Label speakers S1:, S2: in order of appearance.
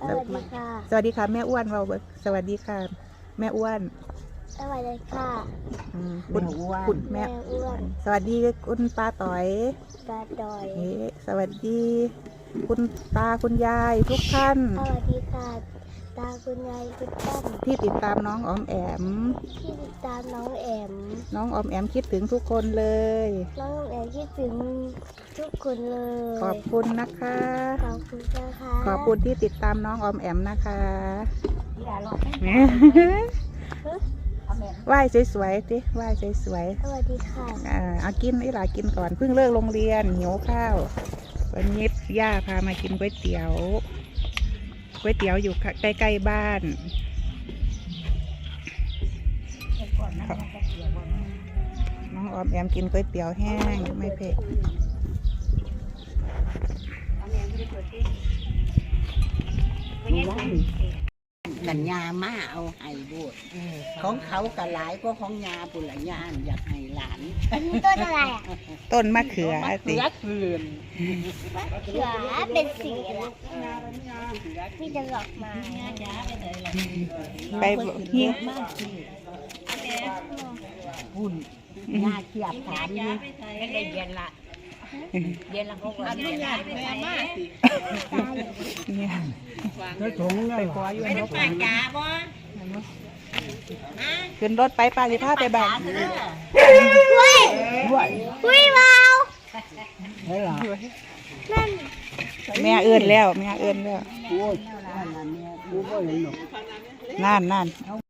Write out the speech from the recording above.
S1: สวัสดีค่ะ
S2: สวัสดีค่ะแม่อ้วนเราสวัสดีค่ะแม่อ้วน
S1: สวัสดีค่ะ
S2: คุณแม่
S1: อ้วน
S2: สวัสดีคุณป้าต่อย
S1: ปลาดอย
S2: สวัสดีคุณตาคุณยายทุกท่าน
S1: สวัสดีค่ะตาคุณยายคุณตั้ม
S2: ที่ติดตามน้องออมแอม
S1: ที่ติดตามน้องแอม
S2: น้องออมแอมคิดถึงทุกคนเลย
S1: น้องแอมคิดถึงทุกคนเลย
S2: ขอบคุณนะคะ
S1: ขอบคุณนะคะ
S2: ขอบคุณที่ติดตามน้องออมแอมนะคะไหว้สวยๆสิไหว้สวย
S1: สวัสดีค่ะ
S2: ๆเอากินไอ้หลากินก่อนเพิ่งเลิกโรงเรียนหิวข้าววันนี้ย่าพามากินก๋วยเตี๋ยวอยู่ใกล้ๆบ้านน้องออมแอมกินก๋วยเตี๋ยวแห้งไม่เผ็ด
S3: กันยามาเอาไห้บดของเขากะหลายก็ของยาปุระยานอยากให้หลาน
S1: อันนี้ต้นอะไรอ่ะ
S2: ต้นมะเขือสิ
S3: เขือคืน
S1: เขือเป็นสีอะไรมีแต่ดอกไม้
S2: ไปหิ้ง
S3: มากที่หุ่นยาเขียบถามนี่ไม่ได้เย็นละเย็นละเขาก็เย็นละแม่มากสิ
S2: เนี่ยไปขออยู่
S3: ไม่ได้
S2: นก
S3: ปากจ๋าบ่
S2: ขึ้นรถไปป้าสิพาไปบ้าน
S1: อุ้ยเบานั่น
S2: แม่เอื้อนแล้วแม่เอื้อนแล้ว
S3: โอ้ยนั่นน่ะแม่กูบ่เห็นหรอก
S2: นั่น